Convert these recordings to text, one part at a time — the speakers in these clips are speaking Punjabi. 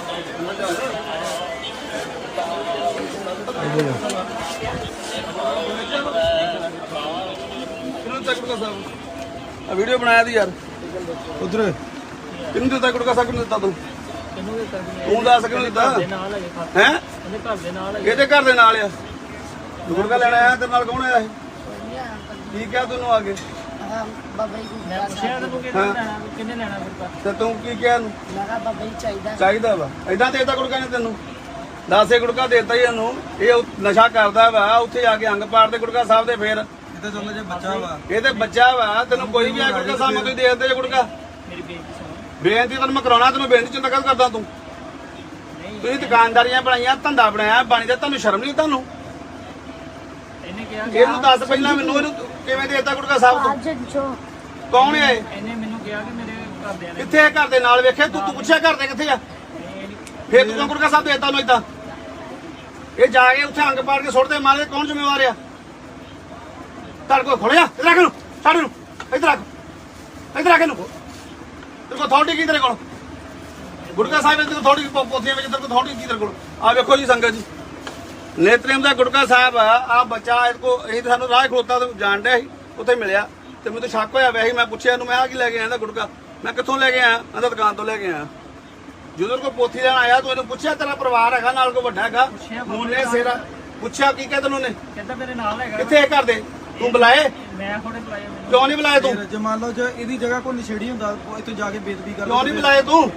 वीडियो बनाया थी यार उधर किन्नू दिता गुटका साहब किन्नू दिता तू तू दस किन्नू दिता है ਇਹਦੇ ਘਰ ਦੇ ਨਾਲ ਆ ਗੁਟਕਾ ਲੈਣ ਆਇਆ ਤੇਰੇ ਨਾਲ ਕੌਣ ਆਇਆ ਇਹ ਕੀ ਕਿਹਾ ਤੈਨੂੰ ਆ ਕੇ ਬਾਬਾ ਜੀ ਮੈਂ ਪੁੱਛਿਆ ਤੈਨੂੰ ਕਿੰਨੇ ਲੈਣਾ ਗੁਟਕਾ ਤੇ ਤੂੰ ਕੀ ਕਿਹਾ ਇਹਨੂੰ ਮੈਂ ਕਿਹਾ ਬਾਬਾ ਜੀ ਚਾਹੀਦਾ ਵਾ ਏਦਾਂ ਦੇਤਾ ਗੁਟਕਾ ਨੇ ਤੈਨੂੰ 10 ਗੁਟਕਾ ਦੇਤਾ ਹੀ ਇਹਨੂੰ ਇਹ ਨਸ਼ਾ ਕਰਦਾ ਵਾ ਉੱਥੇ ਜਾ ਕੇ ਅੰਗ ਪਾੜ ਦੇ ਗੁਟਕਾ ਸਾਹਿਬ ਦੇ ਫੇਰ ਤੇ ਚਲੋ ਜੇ ਬੱਚਾ ਵਾ ਇਹ ਤੇ ਬੱਚਾ ਵਾ ਤੈਨੂੰ ਕੋਈ ਵੀ ਆ ਗੁਟਕਾ ਸਾਹਿਬ ਨੂੰ ਦੇ ਦਿੰਦੇ ਜੇ ਗੁਟਕਾ ਮੇਰੀ ਬੇਇੱਜ਼ਤੀ ਸੁਣ ਬੇਨਤੀ ਤੈਨੂੰ ਮੈਂ ਕਰਾਉਣਾ ਤੈਨੂੰ ਬੇਨਤੀ ਚੰਗਾ ਕਰਦਾ ਤੂੰ ਤੁਸੀਂ ਦੁਕਾਨਦਾਰੀਆਂ ਬਣਾਈਆਂ ਧੰਦਾ ਬਣਾਇਆ ਬਾਣੀ ਦਾ ਤੁਹਾਨੂੰ ਸ਼ਰਮ ਨਹੀਂ ਤੁਹਾਨੂੰ ਇਹਨੇ ਕਿਹਾ ਇਹਨੂੰ ਦੱਸ ਪਹਿਲਾਂ ਮੈਨੂੰ ਇਹਨੂੰ ਕਿਵੇਂ ਦੇਤਾ ਗੁਟਕਾ ਸਾਹਿਬ ਤੋਂ ਕੌਣ ਹੈ ਇਹਨੇ ਮੈਨੂੰ ਕਿਹਾ ਕਿ ਮੇਰੇ ਘਰਦਿਆਂ ਨੇ ਕਿੱਥੇ ਹੈ ਘਰ ਦੇ ਨਾਲ ਵੇਖਿਆ ਤੂੰ ਪੁੱਛਿਆ ਘਰ ਦੇ ਕਿੱਥੇ ਆ ਫੇਰ ਤੂੰ ਗੁਟਕਾ ਸਾਹਿਬ ਦੇਤਾ ਉਹਨੂੰ ਏਦਾਂ ਇਹ ਜਾ ਕੇ ਉੱਥੇ ਅੰਗ ਪਾੜ ਕੇ ਸੁੱਟਦੇ ਮਾਰੇ ਕੌਣ ਜ਼ਿੰਮੇਵਾਰ ਆ ਤੁਹਾਡੇ ਕੋਲ ਖੋਲਿਆ ਇੱਧਰ ਰੱਖ ਇਹਨੂੰ ਛੱਡ ਇਹਨੂੰ ਇੱਧਰ ਰੱਖ ਇਹਨੂੰ ਤੇਰੇ ਕੋਲ ਅਥਾਰਟੀ ਕੀ ਤੇਰੇ ਕੋਲ ਗੁਟਕਾ ਸਾਹਿਬ ਦੇ ਥੋੜੀ ਪੋਥੀਆਂ ਵਿੱਚ ਤੇਰੇ ਕੋਲ ਥੋੜੀ ਕੀ ਤੇਰੇ ਕੋਲ ਆ ਵੇਖੋ ਜੀ ਸੰਗਤ ਜੀ ਨੇਤਰੇਮ ਦਾ ਗੁਟਕਾ ਸਾਹਿਬ ਆ ਬੱਚਾ ਇਹ ਸਾਨੂੰ ਰਾਹ ਖਲੋਤਾ ਜਾਣ ਡਿਆ ਸੀ ਉੱਥੇ ਮਿਲਿਆ ਤੇ ਮੈਨੂੰ ਤਾਂ ਸ਼ੱਕ ਹੋਇਆ ਵੈਸੇ ਮੈਂ ਪੁੱਛਿਆ ਇਹਨੂੰ ਮੈਂ ਆ ਕੀ ਲੈ ਕੇ ਆਇਆ ਗੁਟਕਾ ਮੈਂ ਕਿੱਥੋਂ ਲੈ ਕੇ ਆਇਆ ਕਹਿੰਦਾ ਦੁਕਾਨ ਤੋਂ ਲੈ ਕੇ ਆਇਆ ਜਦੋਂ ਕੋਈ ਪੋਥੀ ਲੈਣ ਆਇਆ ਤੂੰ ਇਹਨੂੰ ਪੁੱਛਿਆ ਤੇਰਾ ਪਰਿਵਾਰ ਹੈਗਾ ਨਾਲ ਕੋਈ ਵੱਡਾ ਹੈਗਾ ਮੂਨੇ ਸੇਰਾ ਪੁੱਛਿਆ ਕੀ ਕਹਿੰਦਾ ਉਹਨੇ ਕਹਿੰਦਾ ਮੇਰੇ ਨਾਲ ਹੈਗਾ ਕਿੱਥੇ ਘਰ ਦੇ ਤੂੰ ਬੁਲਾਏ ਮੈਂ ਥੋੜੇ ਬੁਲਾਇਆ ਕਿਉਂ ਨਹੀਂ ਬੁਲਾਏ ਤੂੰ ਜੇ ਮੰਨ ਲਓ ਜੇ ਇਹਦੀ ਜਗ੍ਹਾ ਕੋਈ ਨਸ਼ੇੜੀ ਹੁੰਦਾ ਇੱਥੇ ਜਾ ਕੇ ਬੇਦਬੀ ਕਰ ਕਿਉਂ ਨਹੀਂ ਬੁਲਾਏ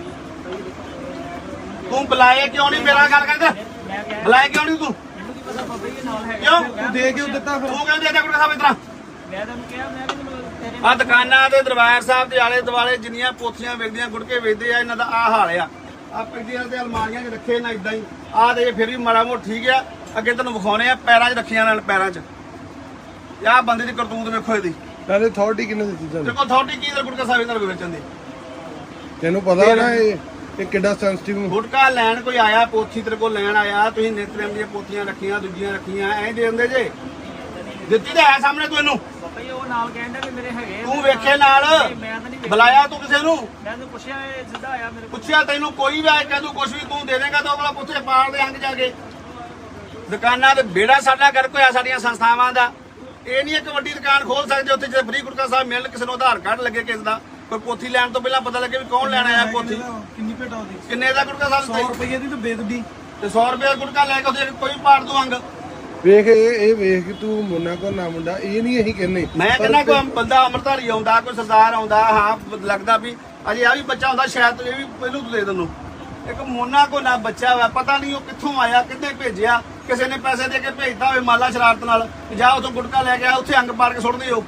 ਤੂੰ ਬੁਲਾਏ ਕਿਉਂ ਨਹੀਂ ਮੇਰਾ ਗੱਲ ਕਰਦਾ ਮੈਂ ਕਿਹਾ ਬੁਲਾਏ ਕਿਉਂ ਨਹੀਂ ਤੂੰ ਮੈਨੂੰ ਕੀ ਪਤਾ ਬਾਬਾ ਜੀ ਨਾਲ ਹੈਗਾ ਕਿਉਂ ਤੂੰ ਦੇ ਕਿਉਂ ਦਿੱਤਾ ਫਿਰ ਤੂੰ ਕਹਿੰਦੇ ਦੇਦਾ ਗੁਟਕਾ ਸਾਹਿਬ ਇਤਰਾ ਮੈਂ ਤੈਨੂੰ ਕਿਹਾ ਮੈਂ ਵੀ ਤੇਰੇ ਆ ਦੁਕਾਨਾਂ ਦੇ ਦਰਬਾਰ ਸਾਹਿਬ ਦੇ ਆਲੇ ਦੁਆਲੇ ਜਿੰਨੀਆਂ ਪੋਥੀਆਂ ਵੇਚਦੀਆਂ ਗੁਟਕੇ ਵੇਚਦੇ ਆ ਇਹਨਾਂ ਦਾ ਆ ਹਾਲ ਆ ਆ ਪਿੰਡੀਆਂ ਤੇ ਅਲਮਾਰੀਆਂ 'ਚ ਰੱਖੇ ਨਾ ਇਦਾਂ ਹੀ ਆ ਤੇ ਫਿਰ ਵੀ ਮਾੜਾ ਮੋਟ ਠੀਕ ਆ ਅੱਗੇ ਤੈਨੂੰ ਵਿਖਾਉਣੇ ਆ ਪੈਰਾਂ 'ਚ ਰੱਖੀਆਂ ਨਾਲ ਪੈਰਾਂ 'ਚ ਆਹ ਬੰਦੇ ਦੀ ਕਰਤੂਤ ਵੇਖੋ ਇਹਦੀ ਨਾਲੇ ਅਥਾਰਟੀ ਕਿੰਨੇ ਦਿੱਤੀ ਤੇਰੇ ਤੁਹਾਨੂੰ ਕੋਲ ਅਥਾਰਟੀ ਕੀ ਗੁਟਕਾ ਸਾਹਿਬ ਇਹਨਾਂ ਨੂੰ ਵੇਚਣ ਦੀ ਤੈਨੂੰ ਪਤਾ ਨਾ ਇਹ ਕਿੱਡਾ ਸੈਂਸਿਟਿਵ ਗੁਟਕਾ ਲੈਣ ਕੋਈ ਆਇਆ ਪੋਥੀ ਤੇਰੇ ਕੋਲ ਲੈਣ ਆਇਆ ਤੁਸੀਂ ਨਿਤਰੇਮ ਦੀਆਂ ਪੋਥੀਆਂ ਰੱਖੀਆਂ ਦੂਜੀਆਂ ਰੱਖੀਆਂ ਐਂ ਦੇ ਦਿੰਦੇ ਜੇ ਦਿੱਤੀ ਤਾਂ ਹੈ ਸਾਹਮਣੇ ਤੂੰ ਇਹਨੂੰ ਬਾਬਾ ਜੀ ਉਹ ਨਾਲ ਕਹਿੰਦਾ ਕਿ ਮੇਰੇ ਹੈਗੇ ਤੂੰ ਵੇਖੇ ਨਾਲ ਮੈਂ ਤਾਂ ਨਹੀਂ ਬੁਲਾਇਆ ਤੂੰ ਕਿਸੇ ਨੂੰ ਮੈਂ ਤੈਨੂੰ ਪੁੱਛਿਆ ਇਹ ਸਿੱਧਾ ਆਇਆ ਮੇਰੇ ਕੋਲ ਪੁੱਛਿਆ ਤੈਨੂੰ ਕੋਈ ਵੀ ਆਏ ਕਹਿੰਦਾ ਕੁਛ ਵੀ ਤੂੰ ਦੇ ਦੇਗਾ ਤਾਂ ਉਹ ਵਾਲਾ ਪੁੱਛੇ ਪਾਲ ਦੇ ਅੰਗ ਜਾ ਕੇ ਦੁਕਾਨਾਂ ਤੇ ਬੇੜਾ ਸਾਡਾ ਕਰ ਕੋਈ ਆ ਸਾਡੀਆਂ ਸੰਸਥਾਵਾਂ ਦਾ ਇਹ ਨਹੀਂ ਇੱਕ ਵੱਡੀ ਦੁਕਾਨ ਖੋਲ ਸਕਦੇ ਉੱਥੇ ਜੇ ਫ੍ਰੀ ਗੁਟਕਾ ਸਾਹਿਬ ਮਿਲਣ ਕਿਸੇ ਨੂੰ ਆਧਾਰ ਕਾਰਡ ਲੱਗੇ ਕਿਸੇ ਦਾ ਕੋਈ ਪੋਥੀ ਲੈਣ ਤੋਂ ਪਹਿਲਾਂ ਪਤਾ ਲੱਗੇ ਵੀ ਕੌਣ ਲੈਣ ਆਇਆ ਪੋਥੀ ਕਿੰਨੀ ਭੇਟਾ ਉਹਦੀ ਕਿੰਨੇ ਦਾ ਗੁਟਕਾ ਸਾਹਿਬ 100 ਰੁਪਏ ਦੀ ਤਾਂ ਬੇਦਬੀ ਤੇ 100 ਰੁਪਏ ਦਾ ਗੁਟਕਾ ਲੈ ਕੇ ਉਹਦੇ ਕੋਈ ਪਾੜ ਦੂ ਅੰਗ ਵੇਖ ਇਹ ਵੇਖ ਕਿ ਤੂੰ ਮੁੰਨਾ ਕੋ ਨਾ ਮੁੰਡਾ ਇਹ ਨਹੀਂ ਅਸੀਂ ਕਹਿੰਦੇ ਮੈਂ ਕਹਿੰਦਾ ਕੋਈ ਬੰਦਾ ਅੰਮ੍ਰਿਤਧਾਰੀ ਆਉਂਦਾ ਕੋਈ ਸਰਦਾਰ ਆਉਂਦਾ ਹਾਂ ਲੱਗਦਾ ਵੀ ਅਜੇ ਆ ਵੀ ਬੱਚਾ ਹੁੰਦਾ ਸ਼ਾਇਦ ਇਹ ਵੀ ਪਹਿਲੂ ਤੋਂ ਦੇ ਦਿੰਨੂ ਇੱਕ ਮੋਨਾ ਕੋ ਨਾ ਬੱਚਾ ਵਾ ਪਤਾ ਨਹੀਂ ਉਹ ਕਿੱਥੋਂ ਆਇਆ ਕਿੱਥੇ ਭੇਜਿਆ ਕਿਸੇ ਨੇ ਪੈਸੇ ਦੇ ਕੇ ਭੇਜਦਾ ਹੋਵੇ ਮਾਲਾ ਸ਼ਰਾਰਤ ਨਾਲ ਜਾ ਉਥੋਂ ਗੁਟਕਾ ਲੈ ਕੇ ਆ ਉੱਥੇ ਅੰਗ ਪਾੜ ਕੇ ਸੁੱਟ ਦਿਓ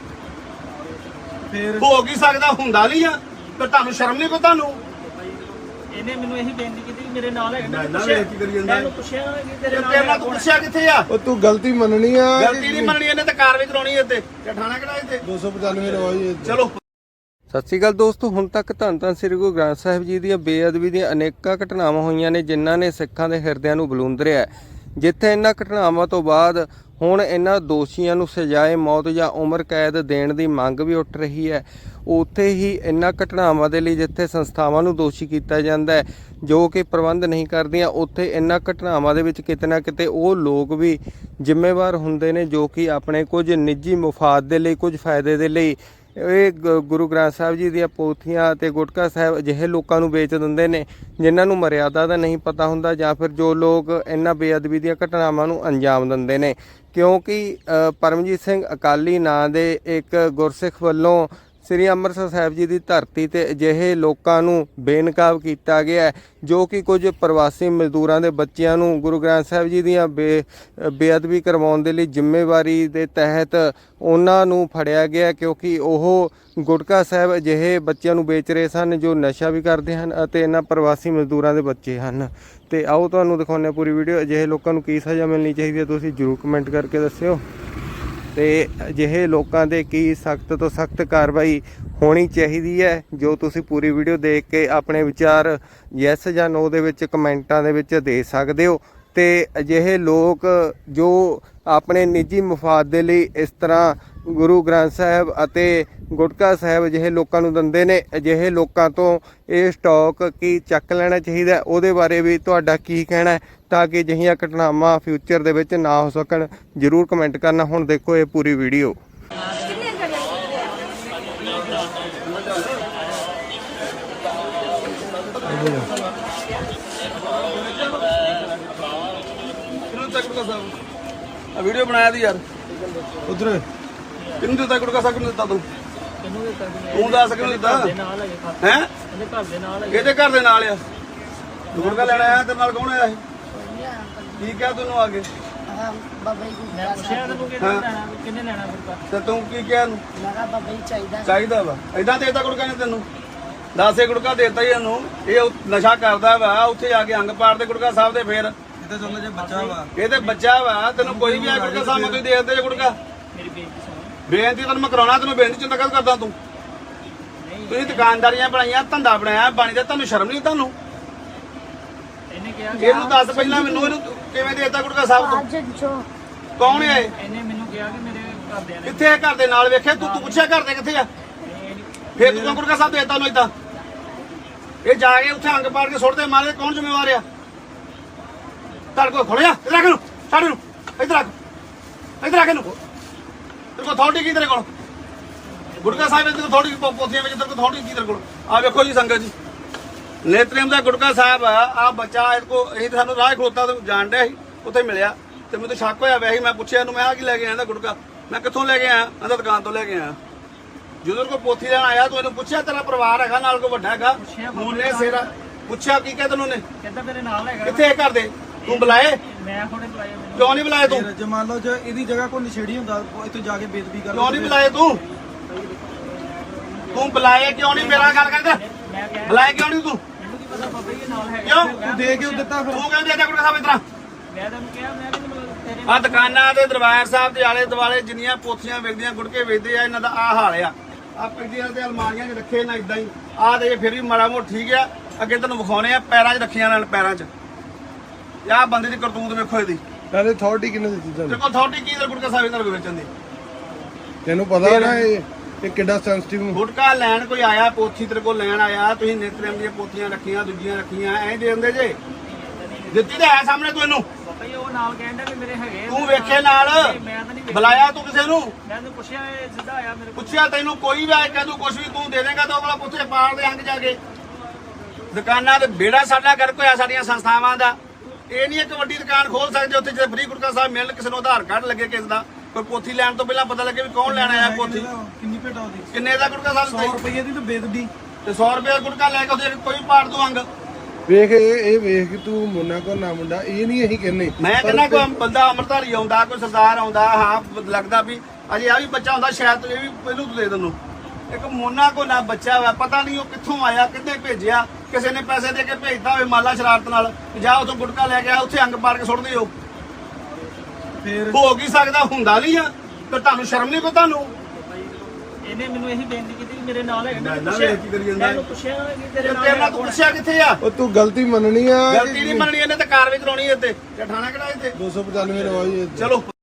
ਫੇਰ ਹੋ ਕੀ ਸਕਦਾ ਹੁੰਦਾ ਨਹੀਂ ਆ ਤੇ ਤੁਹਾਨੂੰ ਸ਼ਰਮ ਨਹੀਂ ਕੋ ਤੁਹਾਨੂੰ ਇਹਨੇ ਮੈਨੂੰ ਇਹੀ ਬੇਨਤੀ ਕੀਤੀ ਕਿ ਮੇਰੇ ਨਾਲ ਹੈਗਾ ਮੈਂ ਵੇਖ ਕੀ ਕਰੀ ਜਾਂਦਾ ਮੈਨੂੰ ਪੁੱਛਿਆ ਕਿ ਤੇਰੇ ਨਾਲ ਤੇਰੇ ਨਾਲ ਤੂੰ ਪੁੱਛਿਆ ਕਿੱਥੇ ਆ ਉਹ ਤੂੰ ਗਲਤੀ ਮੰਨਣੀ ਆ ਗਲਤੀ ਨਹੀਂ ਮੰਨਣੀ ਇਹਨੇ ਤੇ ਕਾਰਵਾਈ ਕਰਾਉਣੀ ਇੱਥੇ ਠਾਣਾ ਕਿਹੜਾ ਇੱਥੇ 295 ਰਵਾਈ ਚਲੋ ਸਤਿ ਸ਼੍ਰੀ ਅਕਾਲ ਦੋਸਤੋ, ਹੁਣ ਤੱਕ ਧੰਨ ਧੰਨ ਸ੍ਰੀ ਗੁਰੂ ਗ੍ਰੰਥ ਸਾਹਿਬ ਜੀ ਦੀਆਂ ਬੇਅਦਬੀ ਦੀਆਂ ਅਨੇਕਾਂ ਘਟਨਾਵਾਂ ਹੋਈਆਂ ਨੇ ਜਿਨ੍ਹਾਂ ਨੇ ਸਿੱਖਾਂ ਦੇ ਹਿਰਦਿਆਂ ਨੂੰ ਬਲੂੰਦਰਿਆ। ਜਿੱਥੇ ਇਹਨਾਂ ਘਟਨਾਵਾਂ ਤੋਂ ਬਾਅਦ ਹੁਣ ਇਹਨਾਂ ਦੋਸ਼ੀਆਂ ਨੂੰ ਸਜ਼ਾਏ ਮੌਤ ਜਾਂ ਉਮਰ ਕੈਦ ਦੇਣ ਦੀ ਮੰਗ ਵੀ ਉੱਠ ਰਹੀ ਹੈ, ਉੱਥੇ ਹੀ ਇਹਨਾਂ ਘਟਨਾਵਾਂ ਦੇ ਲਈ ਜਿੱਥੇ ਸੰਸਥਾਵਾਂ ਨੂੰ ਦੋਸ਼ੀ ਕੀਤਾ ਜਾਂਦਾ ਹੈ ਜੋ ਕਿ ਪ੍ਰਬੰਧ ਨਹੀਂ ਕਰਦੀਆਂ, ਉੱਥੇ ਇਹਨਾਂ ਘਟਨਾਵਾਂ ਦੇ ਵਿੱਚ ਕਿਤੇ ਨਾ ਕਿਤੇ ਉਹ ਲੋਕ ਵੀ ਜ਼ਿੰਮੇਵਾਰ ਹੁੰਦੇ ਨੇ ਜੋ ਕਿ ਆਪਣੇ ਕੁਝ ਨਿੱਜੀ ਮੁਫਾਦ ਦੇ ਲਈ, ਕੁਝ ਫਾਇਦੇ ਦੇ ਲਈ ਇਹ ਗੁਰੂ ਗ੍ਰੰਥ ਸਾਹਿਬ ਜੀ ਦੀਆਂ ਪੋਥੀਆਂ ਅਤੇ ਗੁਟਕਾ ਸਾਹਿਬ ਅਜਿਹੇ ਲੋਕਾਂ ਨੂੰ ਵੇਚ ਦਿੰਦੇ ਨੇ ਜਿਨ੍ਹਾਂ ਨੂੰ ਮਰਿਆਦਾ ਦਾ ਨਹੀਂ ਪਤਾ ਹੁੰਦਾ, ਜਾਂ ਫਿਰ ਜੋ ਲੋਕ ਇਹਨਾਂ ਬੇਅਦਬੀ ਦੀਆਂ ਘਟਨਾਵਾਂ ਨੂੰ ਅੰਜਾਮ ਦਿੰਦੇ ਨੇ। ਕਿਉਂਕਿ ਪਰਮਜੀਤ ਸਿੰਘ ਅਕਾਲੀ ਨਾਂ ਦੇ ਇੱਕ ਗੁਰਸਿੱਖ ਵੱਲੋਂ ਸ੍ਰੀ ਅੰਮ੍ਰਿਤਸਰ ਸਾਹਿਬ ਜੀ ਦੀ ਧਰਤੀ ਤੇ ਅਜਿਹੇ ਲੋਕਾਂ ਨੂੰ ਬੇਨਕਾਬ ਕੀਤਾ ਗਿਆ ਜੋ ਕਿ ਕੁਝ ਪ੍ਰਵਾਸੀ ਮਜ਼ਦੂਰਾਂ ਦੇ ਬੱਚਿਆਂ ਨੂੰ ਗੁਰੂ ਗ੍ਰੰਥ ਸਾਹਿਬ ਜੀ ਦੀਆਂ ਬੇਅਦਬੀ ਕਰਵਾਉਣ ਦੇ ਲਈ ਜ਼ਿੰਮੇਵਾਰੀ ਦੇ ਤਹਿਤ ਉਹਨਾਂ ਨੂੰ ਫੜਿਆ ਗਿਆ, ਕਿਉਂਕਿ ਉਹ ਗੁਟਕਾ ਸਾਹਿਬ ਅਜਿਹੇ ਬੱਚਿਆਂ ਨੂੰ ਵੇਚ ਰਹੇ ਸਨ ਜੋ ਨਸ਼ਾ ਵੀ ਕਰਦੇ ਹਨ ਅਤੇ ਇਹਨਾਂ ਪ੍ਰਵਾਸੀ ਮਜ਼ਦੂਰਾਂ ਦੇ ਬੱਚੇ ਹਨ। ਤੇ ਆਓ ਤੁਹਾਨੂੰ ਦਿਖਾਉਂਦੇ ਹਾਂ ਪੂਰੀ ਵੀਡੀਓ। ਅਜਿਹੇ ਲੋਕਾਂ ਨੂੰ ਕੀ ਸਜ਼ਾ ਮਿਲਣੀ ਚਾਹੀਦੀ ਹੈ ਤੁਸੀਂ ਜ਼ਰੂਰ ਕਮੈਂਟ ਕਰਕੇ ਦੱਸਿਓ, ਤੇ ਅਜਿਹੇ ਲੋਕਾਂ ਦੇ ਕੀ ਸਖਤ ਤੋਂ ਸਖਤ ਕਾਰਵਾਈ ਹੋਣੀ ਚਾਹੀਦੀ ਹੈ, ਜੋ ਤੁਸੀਂ ਪੂਰੀ ਵੀਡੀਓ ਦੇਖ ਕੇ ਆਪਣੇ ਵਿਚਾਰ ਯੈਸ ਜਾਂ ਨੋ ਦੇ ਵਿੱਚ ਕਮੈਂਟਾਂ ਦੇ ਵਿੱਚ ਦੇ ਸਕਦੇ ਹੋ। ਤੇ ਅਜਿਹੇ ਲੋਕ ਜੋ ਆਪਣੇ ਨਿੱਜੀ ਮਫਾਦ ਦੇ ਲਈ ਇਸ ਤਰ੍ਹਾਂ ਗੁਰੂ ਗ੍ਰੰਥ ਸਾਹਿਬ ਅਤੇ ਗੁਟਕਾ ਸਾਹਿਬ ਅਜਿਹੇ ਲੋਕਾਂ ਨੂੰ ਦਿੰਦੇ ਨੇ। ਅਜਿਹੇ ਲੋਕਾਂ ਤੋਂ ਇਹ ਸਟਾਕ ਕੀ ਚੱਕ ਲੈਣਾ ਚਾਹੀਦਾ, ਉਹਦੇ ਬਾਰੇ ਵੀ ਤੁਹਾਡਾ ਕੀ ਕਹਿਣਾ ਹੈ, ਤਾਂ ਕਿ ਅਜਿਹੀਆਂ ਘਟਨਾਵਾਂ ਫਿਊਚਰ ਦੇ ਵਿੱਚ ਨਾ ਹੋ ਸਕਣ। ਜ਼ਰੂਰ ਕਮੈਂਟ ਕਰਨਾ। ਹੁਣ ਦੇਖੋ ਇਹ ਪੂਰੀ ਵੀਡੀਓ। ਵੀਡੀਓ ਬਣਾਇਆ ਦੀ ਯਾਰ ਉਧਰ ਕਿਹਨੂੰ ਦਿੱਤਾ ਗੁਟਕਾ ਸਾਹਿਬ ਕਿਹਨੂੰ ਦਿੱਤਾ ਤੂੰ ਕਿਹਨੂੰ ਦਿੱਤਾ ਤੂੰ ਦੱਸ ਕਿਹਨੂੰ ਦਿੱਤਾ ਦੇ ਨਾਲ ਹੈਗੇ ਖਾ ਹੈ ਇਹਦੇ ਘਰ ਦੇ ਨਾਲ ਹੈਗੇ ਇਹਦੇ ਘਰ ਦੇ ਨਾਲ ਆ ਗੁਟਕਾ ਲੈਣ ਆਇਆ ਤੇਰੇ ਨਾਲ ਕੌਣ ਆਇਆ ਇਹ ਕੀ ਕਿਹਾ ਤੈਨੂੰ ਆ ਕੇ ਬਾਬਾ ਜੀ ਮੈਂ ਪੁੱਛਿਆ ਤੈਨੂੰ ਕਿੰਨੇ ਲੈਣਾ ਗੁਰਕਾ ਤੇ ਤੂੰ ਕੀ ਕਿਹਾ ਇਹਨੂੰ ਲਗਾ ਬਾਬਾ ਜੀ ਚਾਹੀਦਾ ਚਾਹੀਦਾ ਵਾ ਏਦਾਂ ਦੇਤਾ ਗੁਟਕਾ ਨੇ ਤੈਨੂੰ 10 ਗੁਟਕਾ ਦੇਤਾ ਹੀ ਇਹਨੂੰ। ਇਹ ਨਸ਼ਾ ਕਰਦਾ ਵਾ ਉੱਥੇ ਜਾ ਕੇ ਅੰਗ ਪਾੜਦੇ ਗੁਟਕਾ ਸਾਹਿਬ ਦੇ। ਫੇਰ ਇਹ ਤਾਂ ਚੱਲ ਜੇ ਬੱਚਾ ਵਾ ਇਹ ਤੇ ਬੱਚਾ ਵਾ, ਤੈਨੂੰ ਕੋਈ ਵੀ ਆ ਗੁਟਕਾ ਸਾਹਿਬ ਨੂੰ ਤੁਸੀਂ ਦੇ ਦਿੰਦੇ ਜੇ ਗੁਟਕਾ। ਮੇਰੀ ਬੇਇੱਜ਼ਤੀ ਸੁਣ ਬੇਨਤੀ ਤੈਨੂੰ ਮੈਂ ਕਰਾਉਣਾ, ਤੈਨੂੰ ਬੇਨਤੀ ਚਿੰਤਾ ਕਦ ਕਰਦਾ ਤੂੰ। ਤੁਸੀਂ ਦੁਕਾਨਦਾਰੀਆਂ ਬਣਾਈਆਂ, ਧੰਦਾ ਬਣਾਇਆ, ਬਾਣੀ ਦਾ ਤੁਹਾਨੂੰ ਸ਼ਰਮ ਨਹੀਂ ਤੁਹਾਨੂੰ? ਇਹਨੇ ਕਿਹਾ ਇਹਨੂੰ ਦੱਸ ਪਹਿਲਾਂ ਮੈਨੂੰ, ਇਹਨੂੰ ਕਿਵੇਂ ਦੇਤਾ ਗੁਟਕਾ ਸਾਹਿਬ ਤੋਂ? ਅੱਜ ਜੋ ਕੌਣ ਹੈ ਇਹ? ਇਹਨੇ ਮੈਨੂੰ ਕਿਹਾ ਕਿ ਮੇਰੇ ਘਰਦਿਆਂ ਨੇ ਕਿੱਥੇ ਹੈ ਘਰ ਦੇ ਨਾਲ? ਵੇਖਿਆ ਤੂੰ ਪੁੱਛਿਆ ਘਰ ਦੇ ਕਿੱਥੇ ਆ? ਫੇਰ ਤੂੰ ਗੁਟਕਾ ਸਾਹਿਬ ਦੇਤਾ ਉਹਨੂੰ ਏਦਾਂ? ਇਹ ਜਾ ਕੇ ਉੱਥੇ ਅੰਗ ਪਾੜ ਕੇ ਸੁੱਟਦੇ ਮਾਰੇ, ਕੌਣ ਜ਼ਿੰਮੇਵਾਰ ਆ? ਤੁਹਾਡੇ ਕੋਲ ਖੋਲਿਆ ਇੱਧਰ ਆ ਕੇ ਨੂੰ, ਸਾਡੇ ਨੂੰ ਇੱਧਰ ਆ ਕੇ ਨੂੰ। ਤੇਰੇ ਕੋਲ ਅਥਾਰਟੀ ਕੀ? ਤੇਰੇ ਕੋਲ ਗੁਟਕਾ ਸਾਹਿਬ ਦੇ ਅਥਾਰਟੀ ਪੋਥੀਆਂ ਵਿੱਚ ਤੇਰੇ ਕੋਲ ਅਥਾਰਟੀ ਕੀ? ਤੇਰੇ ਕੋਲ ਆ ਵੇਖੋ ਜੀ ਸੰਗਤ ਜੀ, ਨੇਤਰੇਮ ਦਾ ਗੁਟਕਾ ਸਾਹਿਬ ਆ ਬੱਚਾ। ਇਹ ਕੋ ਇਹ ਸਾਨੂੰ ਰਾਹ ਖਲੋਤਾ ਤੇ ਜਾਣ ਡਿਆ ਸੀ, ਉੱਥੇ ਮਿਲਿਆ ਤੇ ਮੈਨੂੰ ਸ਼ੱਕ ਹੋਇਆ ਵੈਸੇ। ਮੈਂ ਪੁੱਛਿਆ ਇਹਨੂੰ, ਮੈਂ ਆ ਕੀ ਲੈ ਕੇ ਆਇਆ? ਗੁਟਕਾ ਮੈਂ ਕਿੱਥੋਂ ਲੈ ਕੇ ਆਇਆ? ਕਹਿੰਦਾ ਦੁਕਾਨ ਤੋਂ ਲੈ ਕੇ ਆਇਆ। ਜਦੋਂ ਕੋਈ ਪੋਥੀ ਲੈਣ ਆਇਆ ਤੂੰ ਇਹਨੂੰ ਪੁੱਛਿਆ ਤੇਰਾ ਪਰਿਵਾਰ ਹੈਗਾ ਨਾਲ, ਕੋਈ ਵੱਡਾ ਹੈਗਾ? ਮੂਨੇ ਸੇਰਾ ਪੁੱਛਿਆ ਕੀ ਕਹਿ ਤੈਨੂੰ ਨੇ? ਕਹਿੰਦਾ ਮੇਰੇ ਨਾਲ ਹੈਗਾ। ਕਿੱਥੇ ਘਰ ਦੇ? ਤੂੰ ਬੁਲਾਏ? ਮੈਂ ਹੁਣੇ ਬੁਲਾਇਆ ਮੈਨੂੰ। ਕਿਉਂ ਨਹੀਂ ਬੁਲਾਏ ਤੂੰ? ਜੇ ਮੰਨ ਲਓ ਜੇ ਇਹਦੀ ਜਗ੍ਹਾ ਕੋਈ ਨਸ਼ੇੜੀ ਹੁੰਦਾ ਇੱਥੇ ਜਾ ਕੇ ਬੇਦਬੀ ਕਰ ਕਿਉਂ ਨਹੀਂ ਬੁਲਾਏ ਤੂੰ? ਤੂੰ ਬੁਲਾਏ ਕਿਉਂ ਨਹੀਂ? ਮੇਰਾ ਗੱਲ ਕਰਦਾ, ਮੈਂ ਕਿਹਾ ਬੁਲਾਏ ਕਿਉਂ ਨਹੀਂ ਤੂੰ? ਮੈਨੂੰ ਕੀ ਪਤਾ ਬਾਬਾ ਜੀ ਨਾਲ ਹੈਗਾ। ਕਿਉਂ ਤੂੰ ਦੇ ਕਿਉਂ ਦਿੱਤਾ ਫਿਰ? ਤੂੰ ਕਹਿੰਦੇ ਆ ਗੁਟਕਾ ਸਾਹਿਬ ਇਤਰਾ? ਮੈਂ ਤੈਨੂੰ ਕਿਹਾ ਮੈਂ ਕਿ ਤੇਰੇ ਆ ਦੁਕਾਨਾਂ ਤੇ ਦਰਬਾਰ ਸਾਹਿਬ ਦੇ ਆਲੇ ਦੁਆਲੇ ਜਿੰਨੀਆਂ ਪੋਥੀਆਂ ਵੇਚਦੀਆਂ, ਗੁਟਕੇ ਵੇਚਦੇ ਆ, ਇਹਨਾਂ ਦਾ ਆ ਹਾਲ ਆ। ਆ ਪਿੰਡੀਆਂ ਤੇ ਅਲਮਾਰੀਆਂ 'ਚ ਰੱਖੇ ਨਾ ਇਦਾਂ ਹੀ। ਆ ਤੇ ਫਿਰ ਵੀ ਮਾੜਾ ਮੋਟ ਠੀਕ ਆ। ਅੱਗੇ ਤੈਨੂੰ ਵਿਖਾਉਣੇ ਆ, ਪੈਰਾਂ 'ਚ ਰੱਖੀਆਂ ਨਾਲ, ਪੈਰਾਂ 'ਚ। ਆਹ ਬੰਦੇ ਦੀ ਕਰਤੂਤ ਵੇਖੋ ਇਹਦੀ। ਨਾਲੇ ਅਥਾਰਟੀ ਕਿਹਨੇ ਦਿੱਤੀ ਤੇਰੇ ਤੁਹਾਨੂੰ? ਕੋਲ ਅਥਾਰਟੀ ਕੀ? ਗੁਟਕਾ ਸਾਹਿਬ ਇਹਨਾਂ ਕੋਲ ਵੇਚਣ ਦੀ? ਤੈਨੂੰ ਪਤਾ ਨਾ ਇਹ ਕਿੱਡਾ ਸੈਂਸਿਟਿਵ। ਗੁਟਕਾ ਲੈਣ ਕੋਈ ਆਇਆ, ਪੋਥੀ ਤੇਰੇ ਕੋਲ ਲੈਣ ਆਇਆ, ਤੁਸੀਂ ਨਿਤਰੇਮ ਦੀਆਂ ਪੋਥੀਆਂ ਰੱਖੀਆਂ, ਦੂਜੀਆਂ ਰੱਖੀਆਂ, ਐਂ ਦੇ ਦਿੰਦੇ ਜੇ? ਦਿੱਤੀ ਤਾਂ ਹੈ ਸਾਹਮਣੇ ਤੂੰ ਇਹਨੂੰ। ਬਾਬਾ ਜੀ ਉਹ ਨਾਲ ਕਹਿੰਦਾ ਕਿ ਮੇਰੇ ਹੈਗੇ। ਤੂੰ ਵੇਖੇ ਨਾਲ? ਨਹੀਂ, ਮੈਂ ਤਾਂ ਨਹੀਂ ਵੇਖਿਆ। ਬੁਲਾਇਆ ਤੂੰ ਕਿਸੇ ਨੂੰ? ਮੈਂ ਤੈਨੂੰ ਪੁੱਛਿਆ ਇਹ ਸਿੱਧਾ ਆਇਆ ਮੇਰੇ ਕੋਲ। ਪੁੱਛਿਆ ਤੈਨੂੰ ਕੋਈ ਵੀ ਆਏ ਕਹਿੰਦਾ ਕੁਛ ਵੀ ਤੂੰ ਦੇ ਦੇਗਾ ਤਾਂ ਉਹ ਵਾਲਾ ਪੁੱਛੇ ਪਾੜ ਦੇ ਅੰਗ ਜਾ ਕੇ। ਦੁਕਾਨਾਂ ਤੇ ਬੇੜਾ ਸਾਡਾ ਗਰਕ ਹੋਇਆ ਸਾਡੀਆਂ ਸੰਸਥਾਵਾਂ ਦਾ। ਇਹ ਨਹੀਂ ਇੱਕ ਵੱਡੀ ਦੁਕਾਨ ਖੋਲ ਸਕਦੇ ਉੱਥੇ ਜੇ ਫ੍ਰੀ ਗੁਟਕਾ ਸਾਹਿਬ ਮਿਲਣ, ਕਿਸੇ ਨੂੰ ਆਧਾਰ ਕਾਰਡ ਲੱਗੇ ਕਿਸੇ ਦਾ, ਕੋਈ ਪੋਥੀ ਲੈਣ ਤੋਂ ਪਹਿਲਾਂ ਪਤਾ ਲੱਗੇ ਵੀ ਕੌਣ ਲੈਣ ਆਇਆ ਪੋਥੀ। ਕਿੰਨੀ ਭੇਟਾ ਉਹਦੀ? ਕਿੰਨੇ ਦਾ ਗੁਟਕਾ ਸਾਹਿਬ 100 ਰੁਪਏ ਦੀ ਤਾਂ ਬੇਦਬੀ। ਤੇ 100 ਰੁਪਏ ਗੁਟਕਾ ਲੈ ਕੇ ਉਹਦੇ ਕੋਈ ਪਾੜ ਦੂ ਅੰਗ। ਵੇਖ ਇਹ ਵੇਖ ਤੂੰ ਮੁੰਨਾ ਕੋ ਨਾ ਮੁੰਡਾ, ਇਹ ਨਹੀਂ ਅਸੀਂ ਕਹਿੰਦੇ। ਮੈਂ ਕਹਿੰਦਾ ਕੋਈ ਬੰਦਾ ਅੰਮ੍ਰਿਤਧਾਰੀ ਆਉਂਦਾ, ਕੋਈ ਸਰਦਾਰ ਆਉਂਦਾ, ਹਾਂ ਲੱਗਦਾ ਵੀ ਅਜੇ ਆ ਵੀ ਬੱਚਾ ਹੁੰਦਾ, ਸ਼ਾਇਦ ਇਹ ਵੀ ਪਹਿਲੂ ਤੂੰ ਦੇ ਤੈਨੂੰ। ਇੱਕ ਮੋਨਾ ਕੋ ਨਾ ਬੱਚਾ ਵਾ, ਪਤਾ ਨਹੀਂ ਉਹ ਕਿੱਥੋਂ ਆਇਆ, ਕਿੱਥੇ ਭੇਜਿਆ, ਕਿਸੇ ਨੇ ਪੈਸੇ ਦੇ ਕੇ ਭੇਜਦਾ ਹੋਵੇ ਮਾਲਾ ਸ਼ਰਾਰਤ ਨਾਲ, ਜਾ ਉਥੋਂ ਗੁਟਕਾ ਲੈ ਕੇ ਆ, ਉੱਥੇ ਅੰਗ ਪਾੜ ਕੇ ਸੁੱਟਦੇ ਹੋ। ਫਿਰ ਹੋ ਕੀ ਸਕਦਾ? ਹੁੰਦਾ ਨਹੀਂ ਆ ਤੇ ਤੁਹਾਨੂੰ ਸ਼ਰਮ ਨਹੀਂ? ਕੋ ਤੁਹਾਨੂੰ ਇਹਨੇ ਮੈਨੂੰ ਇਹੀ ਬੇਨਤੀ ਕੀਤੀ ਕਿ ਮੇਰੇ ਨਾਲ ਹੈਗਾ। ਮੈਂ ਮੈਂ ਨਾ ਪੁੱਛਿਆ ਵੇਖ ਕੀ ਕਰੀ ਜਾਂਦਾ। ਮੈਂ ਪੁੱਛਿਆ ਕਿ ਤੇਰੇ ਨਾਲ ਤੇਰੇ ਨਾਲ ਤੂੰ ਪੁੱਛਿਆ ਕਿੱਥੇ ਆ? ਉਹ ਤੂੰ ਗਲਤੀ ਮੰਨਣੀ ਆ। ਗਲਤੀ ਨਹੀਂ ਮੰਨਣੀ, ਇਹਨੇ ਤਾਂ ਕਾਰਵਾਈ ਕਰਾਉਣੀ ਇੱਥੇ। ਤੇ ਠਾਣਾ ਕਿਹੜਾ ਇੱਥੇ? 295 ਰਵਾਈ ਚਲੋ।